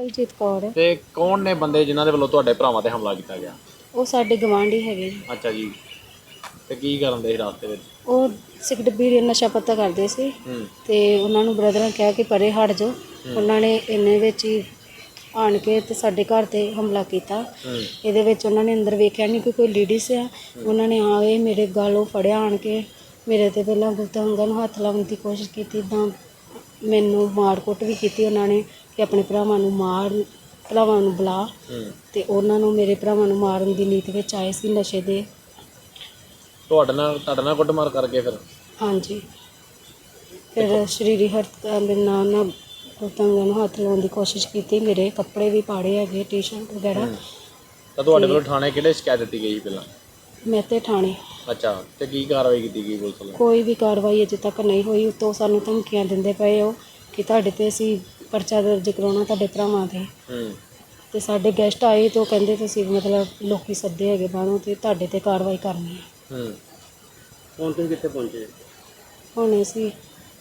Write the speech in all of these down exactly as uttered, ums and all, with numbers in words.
ਕਵਲਜੀਤ ਕੌਰ ਹੈ। ਤੇ ਕੌਣ ਨੇ ਬੰਦੇ ਜਿਨ੍ਹਾਂ ਦੇ ਵੱਲੋਂ ਤੁਹਾਡੇ ਭਰਾਵਾਂ ਤੇ ਹਮਲਾ ਕੀਤਾ ਗਿਆ? ਉਹ ਸਾਡੇ ਗਵਾਂਢੀ ਹੈਗੇ ਜੀ। ਅੱਛਾ ਜੀ। ਤੇ ਕੀ ਕਰਨ ਦੇ ਸੀ ਰਾਸਤੇ ਵਿੱਚ? ਉਹ ਸਿਗਰਟ ਬੀੜੀ ਨਸ਼ਾ ਪੱਤਾ ਕਰਦੇ ਸੀ ਹੂੰ ਤੇ ਉਹਨਾਂ ਨੂੰ ਬ੍ਰਦਰ ਨੇ ਕਿਹਾ ਕਿ ਪਰੇ ਹਟ ਜਾਓ। ਉਹਨਾਂ ਨੇ ਇੰਨੇ ਵਿੱਚ ਹੀ ਆਣ ਕੇ ਤੇ ਸਾਡੇ ਘਰ ਤੇ ਹਮਲਾ ਕੀਤਾ। ਹੂੰ ਇਹਦੇ ਵਿੱਚ ਉਹਨਾਂ ਨੇ ਅੰਦਰ ਵੇਖਿਆ ਨਹੀਂ ਕਿ ਕੋਈ ਲੇਡੀਜ਼ ਆ। ਉਹਨਾਂ ਨੇ ਆ ਕੇ ਮੇਰੇ ਗਾਲੋਂ ਫੜਿਆ ਆਣ ਕੇ ਮੇਰੇ ਤੇ ਪਹਿਲਾਂ ਗੁੱਤਾਂ ਅੰਗਾਂ ਨੂੰ ਹੱਥ ਲਾਉਣ ਦੀ ਕੋਸ਼ਿਸ਼ ਕੀਤੀ। ਤਾਂ ਮੈਨੂੰ ਮਾਰ ਕੁੱਟ ਵੀ ਕੀਤੀ ਉਹਨਾਂ ਨੇ ਕਿ ਆਪਣੇ ਭਰਾਵਾਂ ਨੂੰ ਮਾਰ, ਭਰਾਵਾਂ ਨੂੰ ਬੁਲਾ। ਹੂੰ ਤੇ ਉਹਨਾਂ ਨੂੰ ਮੇਰੇ ਭਰਾਵਾਂ ਨੂੰ ਮਾਰਨ ਦੀ ਨੀਤ ਵਿੱਚ ਆਏ ਸੀ ਨਸ਼ੇ ਦੇ। ਤੁਹਾਡੇ ਨਾਲ ਤੁਹਾਡੇ ਨਾਲ ਕੁੱਟਮਾਰ ਕਰਕੇ ਫਿਰ? ਹਾਂਜੀ। ਫਿਰ ਸ਼ਰੀਰੀ ਹਰਤ ਮੇਰੇ ਨਾਲ ਨਾ ਗੁੱਤਾਂ ਅੰਗਾਂ ਨੂੰ ਹੱਥ ਲਾਉਣ ਦੀ ਕੋਸ਼ਿਸ਼ ਕੀਤੀ। ਮੇਰੇ ਕੱਪੜੇ ਵੀ ਪਾੜੇ ਹੈਗੇ, ਟੀ ਸ਼ਰਟ ਵਗੈਰਾ। ਤਾਂ ਤੁਹਾਡੇ ਵੱਲੋਂ ਥਾਣੇ ਕਿਹੜੇ ਸ਼ਿਕਾਇਤ ਦਿੱਤੀ ਗਈ ਸੀ ਪਹਿਲਾਂ? ਮੈਂ ਤੇ ਥਾਣੇ। ਅੱਛਾ। ਤੇ ਕੀ ਕਾਰਵਾਈ ਕੀਤੀ ਗਈ ਪੁਲਿਸ ਵੱਲੋਂ? ਕੋਈ ਵੀ ਕਾਰਵਾਈ ਅਜੇ ਤੱਕ ਨਹੀਂ ਹੋਈ। ਉੱਤੋਂ ਸਾਨੂੰ ਧਮਕੀਆਂ ਦਿੰਦੇ ਪਏ ਹੋ ਕਿ ਤੁਹਾਡੇ ਤੇ ਅਸੀਂ ਪਰਚਾ ਦਰਜ ਕਰਾਉਣਾ ਤੁਹਾਡੇ ਭਰਾਵਾਂ 'ਤੇ। ਹੂੰ ਤੇ ਸਾਡੇ ਗੈਸਟ ਆਏ ਤਾਂ ਉਹ ਕਹਿੰਦੇ ਤੁਸੀਂ ਮਤਲਬ ਲੋਕੀ ਸੱਦੇ ਹੈਗੇ ਬਾਹਰੋਂ ਤੇ ਤੁਹਾਡੇ ਤੇ ਕਾਰਵਾਈ ਕਰਨੀ ਹੈ। ਹੂੰ ਹੁਣ ਤੁਸੀਂ ਕਿੱਥੇ ਪਹੁੰਚੇ? ਹੁਣ ਅਸੀਂ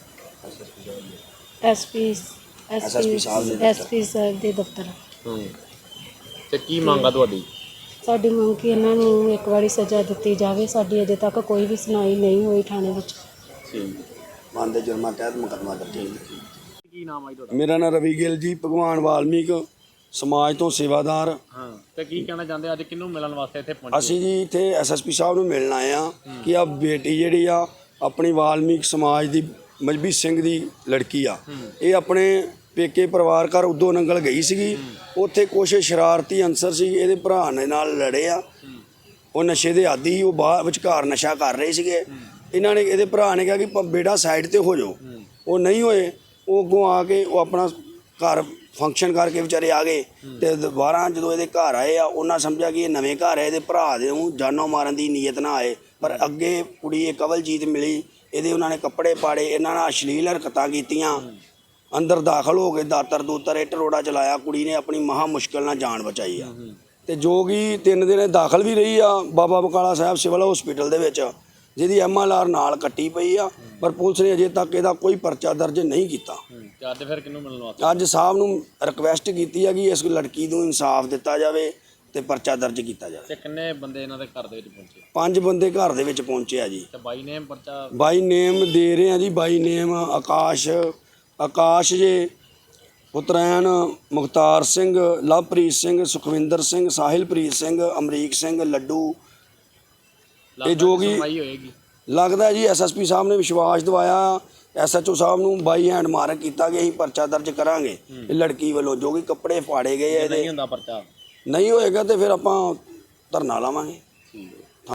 ਐਸਪੀ ਐਸਪੀ ਐਸਪੀ ਸਾਹਿਬ ਦੇ ਦਫ਼ਤਰ। ਹੂੰ ਤੇ ਕੀ ਮੰਗ ਆ ਤੁਹਾਡੀ? ਸਾਡੀ ਮੰਗ ਕਿ ਇਹਨਾਂ ਨੂੰ ਇੱਕ ਵਾਰੀ ਸਜ਼ਾ ਦਿੱਤੀ ਜਾਵੇ। ਸਾਡੀ ਅਜੇ ਤੱਕ ਕੋਈ ਵੀ ਸੁਣਾਈ ਨਹੀਂ ਹੋਈ ਥਾਣੇ ਵਿੱਚ। ਠੀਕ। ਮਨ ਦੇ ਜੁਰਮਾਂ ਤਹਿਤ ਮੁਕੱਦਮਾ ਦਰਜ ਹੈ। ਕੀ ਨਾਮ ਆ ਜੀ ਤੁਹਾਡਾ? ਮੇਰਾ ਨਾਮ ਰਵੀ ਗਿੱਲ ਜੀ, ਭਗਵਾਨ ਵਾਲਮੀਕ ਸਮਾਜ ਤੋਂ ਸੇਵਾਦਾਰ। ਹਾਂ। ਤੇ ਕੀ ਕਹਿਣਾ ਚਾਹੁੰਦੇ ਅੱਜ ਕਿਹਨੂੰ ਮਿਲਣ ਵਾਸਤੇ ਇੱਥੇ ਪਹੁੰਚੇ? ਅਸੀਂ ਜੀ ਇੱਥੇ ਐਸਐਸਪੀ ਸਾਹਿਬ ਨੂੰ ਮਿਲਣ ਆਏ ਆ ਕਿ ਆ ਬੇਟੀ ਜਿਹੜੀ ਆ ਆਪਣੀ ਵਾਲਮੀਕ ਸਮਾਜ ਦੀ ਮਜਬੀ ਸਿੰਘ ਦੀ ਲੜਕੀ ਆ। ਇਹ ਆਪਣੇ ਪੇਕੇ ਪਰਿਵਾਰ ਘਰ ਉਦੋਂ ਨੰਗਲ ਗਈ ਸੀਗੀ। ਉੱਥੇ ਕੁਛ ਸ਼ਰਾਰਤੀ ਅਨਸਰ ਸੀ ਇਹਦੇ ਭਰਾ ਨੇ ਨਾਲ ਲੜੇ ਆ। ਉਹ ਨਸ਼ੇ ਦੇ ਆਦੀ ਸੀ, ਉਹ ਬਾਹਰ ਵਿਚਕਾਰ ਨਸ਼ਾ ਕਰ ਰਹੇ ਸੀਗੇ। ਇਹਨਾਂ ਨੇ ਇਹਦੇ ਭਰਾ ਨੇ ਕਿਹਾ ਕਿ ਬੇਟਾ ਸਾਈਡ ਤੇ ਹੋ ਜਾਓ। ਉਹ ਨਹੀਂ ਹੋਏ। ਉਹ ਅੱਗੋਂ ਆ ਕੇ ਉਹ ਆਪਣਾ ਘਰ ਫੰਕਸ਼ਨ ਕਰਕੇ ਵਿਚਾਰੇ ਆ ਗਏ। ਤੇ ਦੁਬਾਰਾ ਜਦੋਂ ਇਹਦੇ ਘਰ ਆਏ ਆ ਉਹਨਾਂ ਸਮਝਿਆ ਕਿ ਇਹ ਨਵੇਂ ਘਰ ਹੈ, ਇਹਦੇ ਭਰਾ ਦੇ ਨੂੰ ਜਾਨੋਂ ਮਾਰਨ ਦੀ ਨੀਅਤ ਨਾ ਆਏ। ਪਰ ਅੱਗੇ ਕੁੜੀ ਇਹ ਕਵਲਜੀਤ ਮਿਲੀ, ਇਹਦੇ ਉਹਨਾਂ ਨੇ ਕੱਪੜੇ ਪਾੜੇ, ਇਹਨਾਂ ਨਾਲ ਅਸ਼ਲੀਲ ਹਰਕਤਾਂ ਕੀਤੀਆਂ। ਅੰਦਰ ਦਾਖਲ ਹੋ ਕੇ ਦਾਤਰ ਦੂਤਰ ਇੱਟ ਰੋੜਾ ਚਲਾਇਆ। ਕੁੜੀ ਨੇ ਆਪਣੀ ਮਹਾ ਮੁਸ਼ਕਿਲ ਨਾਲ ਜਾਨ ਬਚਾਈ ਆ। ਤੇ ਜੋ ਕਿ ਤਿੰਨ ਦਿਨ ਦਾਖਲ ਵੀ ਰਹੀ ਆ ਬਾਬਾ ਬਕਾਲਾ ਸਾਹਿਬ ਸਿਵਲ ਹਸਪੀਟਲ ਦੇ ਵਿੱਚ, ਜਿਹਦੀ ਐਮ ਐਲ ਆਰ ਨਾਲ ਕੱਟੀ ਪਈ ਆ। ਪਰ ਪੁਲਿਸ ਨੇ ਅਜੇ ਤੱਕ ਇਹਦਾ ਕੋਈ ਪਰਚਾ ਦਰਜ ਨਹੀਂ ਕੀਤਾ। ਤੇ ਅੱਜ ਫਿਰ ਕਿਹਨੂੰ ਮਿਲਣ ਵਾਸਤੇ? ਅੱਜ ਸਾਹਿਬ ਨੂੰ ਰਿਕਵੈਸਟ ਕੀਤੀ ਹੈ ਕਿ ਇਸ ਲੜਕੀ ਨੂੰ ਇਨਸਾਫ ਦਿੱਤਾ ਜਾਵੇ ਤੇ ਪਰਚਾ ਦਰਜ ਕੀਤਾ ਜਾਵੇ। ਤੇ ਕਿੰਨੇ ਬੰਦੇ ਇਹਨਾਂ ਦੇ ਘਰ ਦੇ ਵਿੱਚ ਪਹੁੰਚੇ? ਪੰਜ ਬੰਦੇ ਘਰ ਦੇ ਵਿੱਚ ਪਹੁੰਚੇ ਆ ਜੀ। ਤੇ ਬਾਈ ਨੇਮ ਪਰਚਾ? ਬਾਈ ਨੇਮ ਦੇ ਰਹੇ ਆ ਜੀ। ਬਾਈ ਨੇਮ ਆਕਾਸ਼ ਆਕਾਸ਼ ਜੇ ਪੁੱਤਰੈਨ ਮੁਖਤਾਰ ਸਿੰਘ, ਲਵਪ੍ਰੀਤ ਸਿੰਘ, ਸੁਖਵਿੰਦਰ ਸਿੰਘ, ਸਾਹਿਲਪ੍ਰੀਤ ਸਿੰਘ, ਅਮਰੀਕ ਸਿੰਘ, ਲੱਡੂ। ਇਹ ਜੋ ਕਿ ਹੋਏਗੀ ਲੱਗਦਾ ਜੀ ਐਸਐਸਪੀ ਸਾਹਿਬ ਨੇ ਵਿਸ਼ਵਾਸ ਦਿਵਾਇਆ ਐਸਐਚਓ ਸਾਹਿਬ ਨੂੰ, ਬਾਈ ਹੈਂਡ ਮਾਰਕ ਕੀਤਾ ਕਿ ਅਸੀਂ ਪਰਚਾ ਦਰਜ ਕਰਾਂਗੇ ਇਹ ਲੜਕੀ ਵੱਲੋਂ। ਜੋ ਕਿ ਕੱਪੜੇ ਫਾੜੇ ਗਏ ਇਹਦੇ, ਨਹੀਂ ਹੁੰਦਾ ਪਰਚਾ ਨਹੀਂ ਹੋਏਗਾ ਤੇ ਫਿਰ ਆਪਾਂ ਧਰਨਾ ਲਾਵਾਂਗੇ।